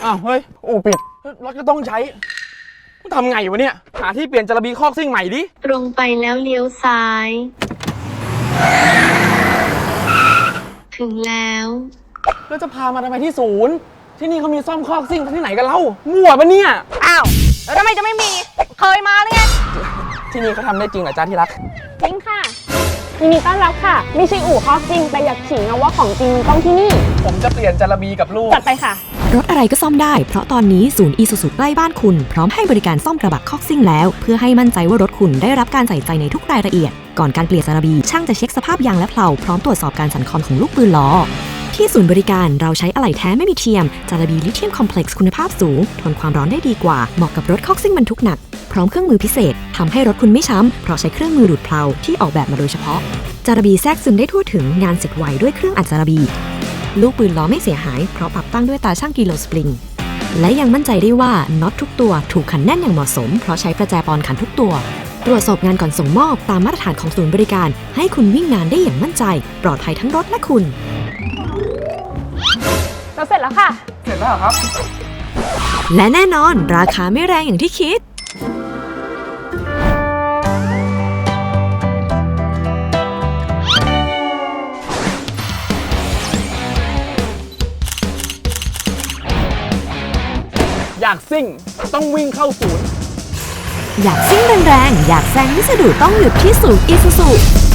อ้าวเฮ้ยอู่ปิดรถก็ต้องใช้ทำไงวะเนี่ยหาที่เปลี่ยนจระบีคอกซิ่งใหม่ดิตรงไปแล้วเลี้ยวซ้าย ถึงแล้วแล้วจะพามาทำไมที่ศูนย์ที่นี่เขามีซ่อมคอกซิ่งที่ไหนกันเล่ามั่วปะเนี่ยอ้าวแล้วทำไมจะไม่มีเคยมาหรือไงที่นี่เขาทำได้จริงเหรอจ้าที่รักจริงค่ะยินดีต้อนรับค่ะไม่ใช่อู่คอกซิ่งแต่อยากขิงนะว่าของจริงต้องที่นี่ผมจะเปลี่ยนจระบีกับลูกจัดไปค่ะรถอะไรก็ซ่อมได้เพราะตอนนี้ศูนย์อีซูซูใกล้บ้านคุณพร้อมให้บริการซ่อมกระบะคอกซิ่งแล้วเพื่อให้มั่นใจว่ารถคุณได้รับการใส่ใจในทุกรายละเอียดก่อนการเปลี่ยนจระบีช่างจะเช็คสภาพยางและเพลาพร้อมตรวจสอบการสั่นคลอนของลูกปืนล้อที่ศูนย์บริการเราใช้อะไหล่แท้ไม่มีเทียมจระบีลิเธียมคอมเพล็กซ์คุณภาพสูงทนความร้อนได้ดีกว่าเหมาะกับรถคอกซิ่งบรรทุกหนักพร้อมเครื่องมือพิเศษทำให้รถคุณไม่ช้ำเพราะใช้เครื่องมือดูดเพลาที่ออกแบบมาโดยเฉพาะจระบีแทรกซึมได้ทั่วถึงงานเสร็จไวด้วยเครื่องอัดจระบีลูกปืนล้อไม่เสียหายเพราะปรับตั้งด้วยตาช่างกิโลสปริงและยังมั่นใจได้ว่าน็อตทุกตัวถูกขันแน่นอย่างเหมาะสมเพราะใช้ประแจปอนขันทุกตัวตรวจสอบงานก่อนส่งมอบตามมาตรฐานของศูนย์บริการให้คุณวิ่งงานได้อย่างมั่นใจปลอดภัยทั้งรถและคุณเราเสร็จแล้วค่ะเสร็จแล้วครับและแน่นอนราคาไม่แรงอย่างที่คิดอยากซิ่งต้องวิ่งเข้าศูนย์อยากซิ่งแรงๆอยากแซงไม่สะดุดต้องหยุดที่ศูนย์อีซูซู